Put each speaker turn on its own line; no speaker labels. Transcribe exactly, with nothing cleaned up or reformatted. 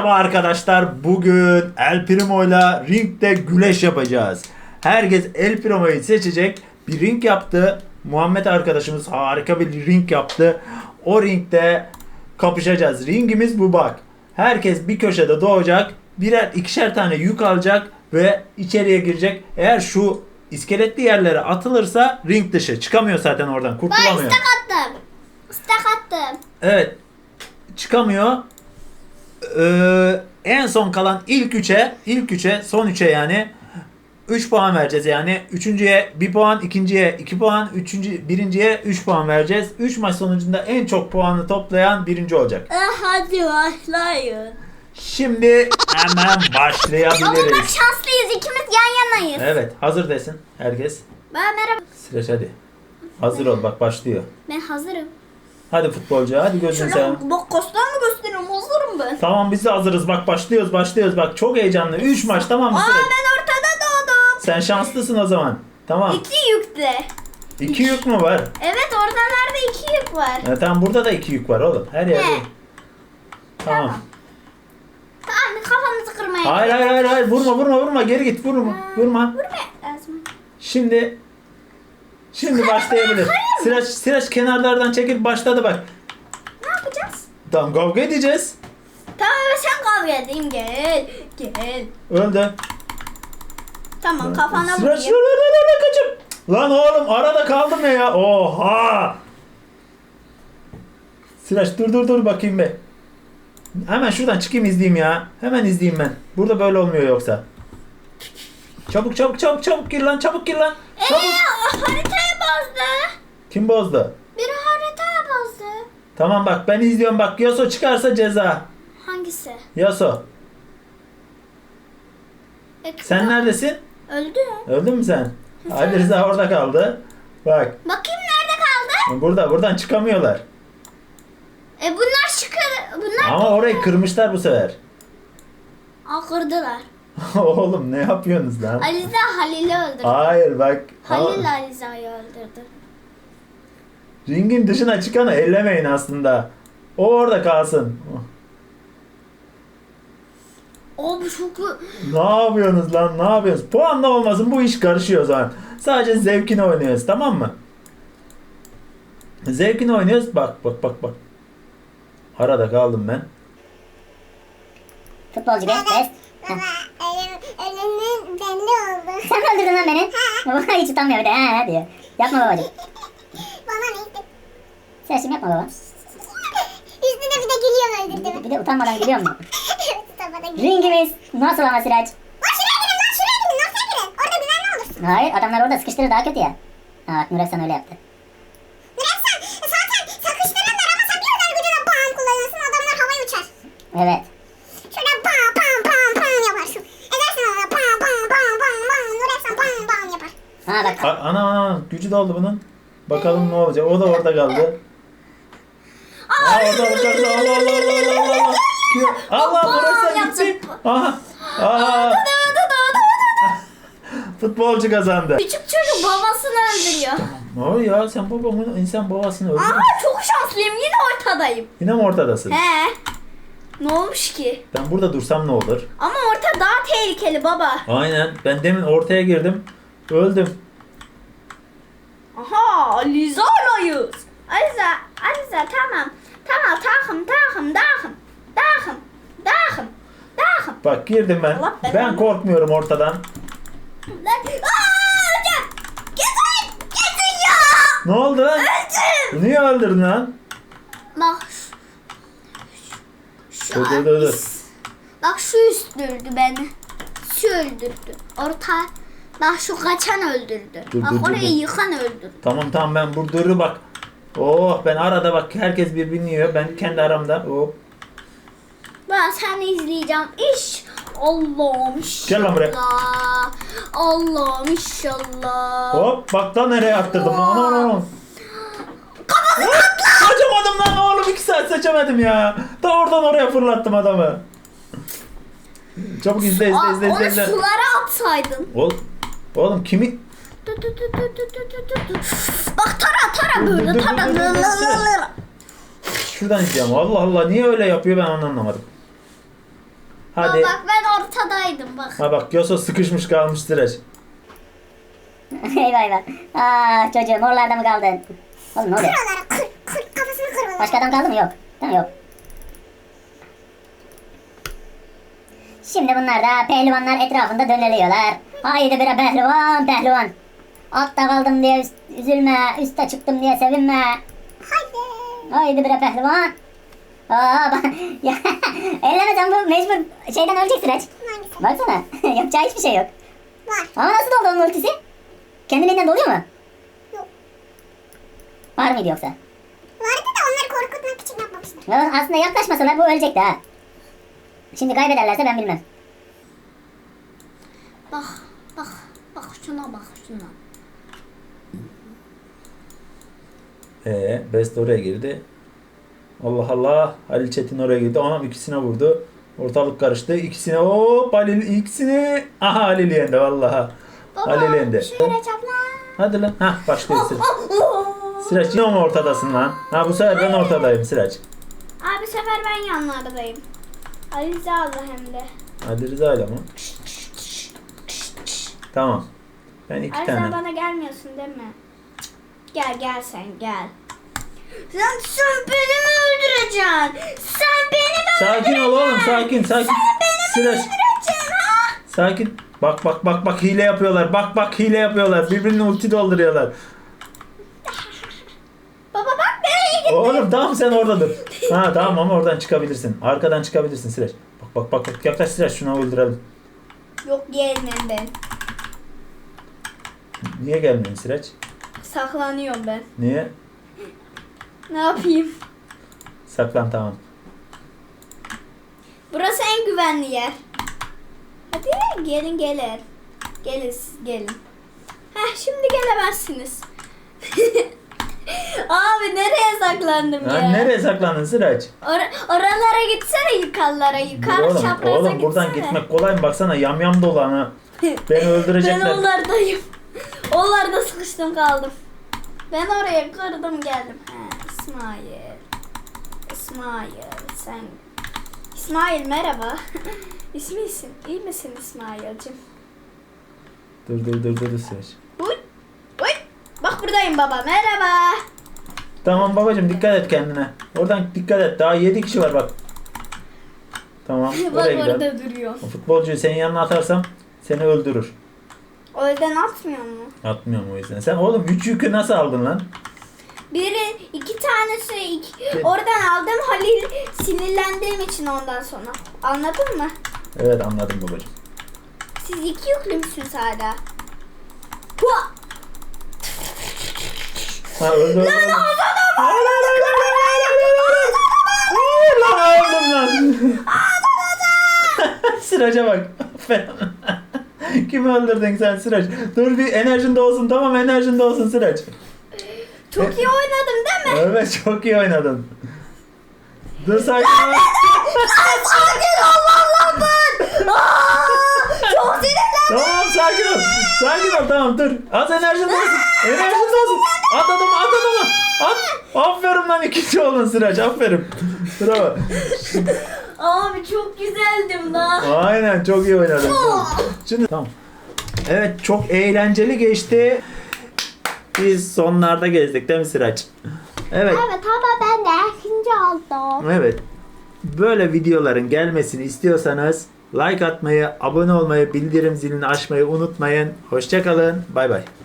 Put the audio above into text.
Merhaba arkadaşlar. Bugün El Primo'yla ringde güleş yapacağız. Herkes El Primo'yu seçecek. Bir ring yaptı. Muhammed arkadaşımız harika bir ring yaptı. O ringde kapışacağız. Ringimiz bu bak. Herkes bir köşede doğacak. Birer ikişer tane yük alacak ve içeriye girecek. Eğer şu iskeletli yerlere atılırsa ring dışı. Çıkamıyor zaten oradan.
Ben
Kurtulamıyor.
istek attım. İstek attım.
Evet. Çıkamıyor. Ee, en son kalan ilk üçe, ilk üçe, son üçe yani üç puan vereceğiz yani. Üçüncüye bir puan, ikinciye iki puan, üçüncü, birinciye üç puan vereceğiz. üç maç sonucunda en çok puanı toplayan birinci olacak.
Ah, hadi başlayın.
Şimdi hemen
Ama bak
başlayabiliriz.
şanslıyız. İkimiz yan yanayız.
Evet, hazır desin herkes.
Ben merhaba.
Sıraç hadi. Hazır ol bak başlıyor.
Ben hazırım.
Hadi futbolcu hadi gözünü seveyim.
Şöyle bak kastan mı gösteriyorum? Hazırım ben.
Tamam biz de hazırız bak başlıyoruz başlıyoruz bak çok heyecanlı. üç maç tamam mı
Aa,
Sıraç?
ben ortada doğdum.
Sen şanslısın o zaman. Tamam.
İki yükte.
İki yük mü var?
Evet, ortalarda iki yük var.
Ya tamam burada da iki yük var oğlum. Her yerde.
Ne?
Tamam.
Tamam, kafamızı kırmaya.
Hayır hayır hayır hayır vurma vurma vurma geri git vurma vurma.
Vurma lazım.
Şimdi şimdi başlayabilir. Sıraç sıraç kenarlardan çekil başladı bak.
Ne yapacağız?
Tamam kavga edeceğiz.
Tamam, sen kavga edeyim. Gel. Gel.
Öldü.
Tamam, kafana
Sıraç
vurayım.
lan lan lan lan kaçım. Lan oğlum arada kaldım ya ya. Oha. Sıraç dur dur dur bakayım be. Hemen şuradan çıkayım izleyeyim ya. Hemen izleyeyim ben. Burada böyle olmuyor yoksa. Çabuk çabuk çabuk çabuk gir lan çabuk gir lan. Çabuk.
Eee, haritayı bozdu.
Kim bozdu?
Biri haritayı bozdu.
Tamam bak ben izliyorum bak. Yaso çıkarsa ceza.
Hangisi?
Yaso.
E,
Sen neredesin?
Öldü.
Öldün mü sen? Ali Rıza orada kaldı. Bak.
Bakayım nerede kaldı?
Burada buradan çıkamıyorlar.
E bunlar çıkıyor. Bunlar
Ama orayı kırmışlar bu sefer.
Aa, kırdılar.
Oğlum ne yapıyorsunuz lan?
Aliza Halil'i öldürdü.
Hayır bak.
Halil Aliza'yı öldürdü.
Ringin dışına çıkanı ellemeyin aslında. O orada kalsın.
O bu çok...
Ne yapıyorsunuz lan? Ne yapıyorsunuz? Puanla olmasın bu iş karışıyor o zaman. Sadece zevkini oynuyoruz tamam mı? Zevkini oynuyoruz. Bak bak bak bak. Arada kaldım ben.
Futbolcu be, best.
Baba, ölüm, ölümün belli oldu.
Sen mi öldürdün lan beni? Baba hiç utanmıyor bir de ha diyor. Yapma babacığım.
Bana ne işte?
Sen şimdi yapma baba.
Üstüne bir de gülüyor
Bir,
öldürdüm.
bir de utanmadan gülüyor mu?
Evet, bana gülüyor.
Ringimiz nasıl ama Sıraç?
Lan şuraya girin lan şuraya girin. Nasıl girin? Orada güvenli olursun.
Hayır adamlar orada sıkıştırır daha kötü ya. Ha bak Nuresan öyle yaptı.
Nurefsan zaten sakıştırırlar ama sen bir kadar gücüne bam kullanırsın. Adamlar havaya uçar.
Evet.
Şöyle bam bam bam bam yaparsın. Edersin ona bam bam bam bam bam. Nurefsan bam bam yapar.
Ha bak.
A- ana ana gücü doldu bunun. Bakalım ne olacak. O da orada kaldı. Aa, orada orada orada. Allah Allah Allah Allah Allah. Allah
Bam,
burası
yaptım.
gitti. Aha. Aa. Futbolcu kazandı.
Küçük çocuk babasını öldürüyor.
Ne oluyor ya sen babamın insan babasını öldürdün.
Aa, çok şanslıyım. Yine ortadayım.
Yine mi ortadasın?
He. Ne olmuş ki?
Ben burada dursam ne olur?
Ama orta daha tehlikeli baba.
Aynen. Ben demin ortaya girdim. Öldüm.
Aha, Aliza'layız. Aliza, Aliza tamam. Tamam, takım, takım, takım. Takım, takım, takım.
Bak girdim ben.
Allah belanı.
Ben korkmuyorum ortadan.
Lan, aaa, hocam. Getir, getir ya.
Ne oldu lan?
Öldüm.
Niye öldürdün lan?
Bak. Şu
Dur,
an
dur, dur, dur.
is- Bak şu üstürdü beni. Şu öldürdü. Orta. Bak şu kaçan öldürdü.
Dur,
bak
dur, dur,
orayı
dur.
yıkan öldürdü.
Tamam tamam ben burada bak. Oh ben arada bak herkes birbirini yiyor. Ben kendi aramda. Oh.
Ben seni izleyeceğim. İş. Allah'ım inşallah.
Gel lan buraya.
Allah'ım inşallah.
Hop bak da nereye attırdım. Aman aman aman. Kaçamadım lan oğlum iki saat seçemedim ya. Da oradan oraya fırlattım adamı. Çabuk izle izle
Aa,
izle izle.
onu
izle.
sulara atsaydın.
Oğlum, oğlum kimi?
Tut, tut, tut, tut, tut, tut, tut, tut. Bak tara tara
Dur, dur,
böyle
dur,
tara.
dur, dur, dur, dur. Şuradan izleyeceğim. Allah Allah niye öyle yapıyor ben onu anlamadım. Hadi.
Aa, bak ben ortadaydım bak.
Ha bak Yoso sıkışmış kalmış Sıraç.
eyvah eyvah. Aa çocuğum oralarda mı kaldın? Oğlum ne oluyor?
Oralara kır kır kafasını kır oralara.
Başka adam kaldı mı? Yok. Tamam yok. Şimdi bunlar da pehlivanlar etrafında döneliyorlar. Haydi bre pehlivan pehlivan. Altta kaldım diye üst- üzülme. Üste çıktım diye sevinme.
Haydi.
Haydi bre pehlivan. Aa bak. Ya, ellemesen bu mecbur şeyden ölecek Sıraç.
Maalesef.
Baksana. Yapacağı hiçbir şey yok.
Var.
Ama nasıl doldu onun ultisi? Kendiliğinden doluyor mu?
Yok.
Var mıydı yoksa?
Vardı da onları korkutmak için yapmamışlar.
Ya aslında yaklaşmasalar bu ölecekti ha. Şimdi kaybederlerse ben bilmem.
Bak bak bak şuna bak şuna.
Ee, Best oraya girdi. Allah Allah. Halil Çetin oraya girdi. Anam ikisine vurdu. Ortalık karıştı. İkisine hop Halil ikisini. Aha Halil yendi vallahi. Halil yendi.
Şöyle çapla.
Hadi lan. Hah başlıyor Sıraç. Sıraç yine mi ortadasın lan? Ha bu sefer ben ortadayım Sıraç.
Abi bu sefer ben yanlardayım. Ali Rıza aldı hem de.
Ali Rıza ile mi? Tamam. Ben iki
Ali
tane.
sen bana gelmiyorsun değil mi? Gel gel sen gel. Sen, sen beni mi öldüreceksin? Sen beni mi
Sakin ol oğlum sakin sakin. Sıraç.
öldüreceksin ha?
Sakin. Bak bak bak bak hile yapıyorlar. Bak bak hile yapıyorlar. Birbirine ulti dolduruyorlar.
Baba bak nereye gitti?
Oğlum tamam sen orada dur. Ha tamam ama oradan çıkabilirsin. Arkadan çıkabilirsin Sıraç. Bak bak bak bak yaklaş Sıraç şunu öldürelim.
Yok gelmem ben.
Niye gelmiyorsun Sıraç?
Saklanıyorum ben.
Niye?
Ne yapayım?
Saklan tamam.
Burası en güvenli yer. Hadi gelin gelin. Gelin siz gelin. Heh şimdi gelemezsiniz. Abi nereye saklandım
Ha,
ya?
nereye saklandın Sıraç?
Or- oralara gitsene yukarılara. Yukarı
oğlum,
çapraza
oğlum
gitsene.
buradan gitmek kolay mı? Baksana yamyam dolu ana. Beni öldürecekler.
Ben onlardayım. Onlarda sıkıştım kaldım. Ben oraya kırdım geldim. He, İsmail. İsmail sen. İsmail merhaba. İsmisin. İyi misin İsmail'cim?
Dur dur dur dur Sıraç.
Uy. Uy. Bak buradayım baba. Merhaba.
Tamam babacığım dikkat et kendine. Oradan dikkat et. Daha yedi kişi var bak. Tamam.
Bak
Oraya gidelim.
orada duruyor.
O futbolcuyu senin yanına atarsam seni öldürür.
O yüzden atmıyor mu?
Atmıyorum o yüzden. Sen oğlum üç yükü nasıl aldın lan?
Biri iki tanesi iki, oradan aldım Halil sinirlendiğim için ondan sonra. Anladın mı?
Evet anladım babacığım.
Siz iki yüklü müsünüz hala? Hua!
Ha öldü öldü. Lan Lan öldüm lan. Sıraca bak. Aferin. Kimi öldürdün sen Sıraç? Dur bir enerjin de olsun tamam enerjin de olsun Sıraç.
Çok iyi oynadım değil mi?
Evet çok iyi oynadın. Dur sakin ol.
Sakin ol valla ben. Çok sinirlendim.
Tamam sakin ol. Sakin ol tamam dur. Az enerjin de olsun. Enerjin de olsun. At adamı at adamı. At. Aferin lan ikinci oldun Sıraç aferin. Bravo.
Abi çok güzeldim lan.
Aynen çok iyi oynadın. Şimdi tamam. Evet çok eğlenceli geçti. Biz sonlarda gezdik değil mi Sıraç? Evet.
Evet ama ben de ikinci oldum.
Evet. Böyle videoların gelmesini istiyorsanız like atmayı, abone olmayı, bildirim zilini açmayı unutmayın. Hoşça kalın. Bay bay.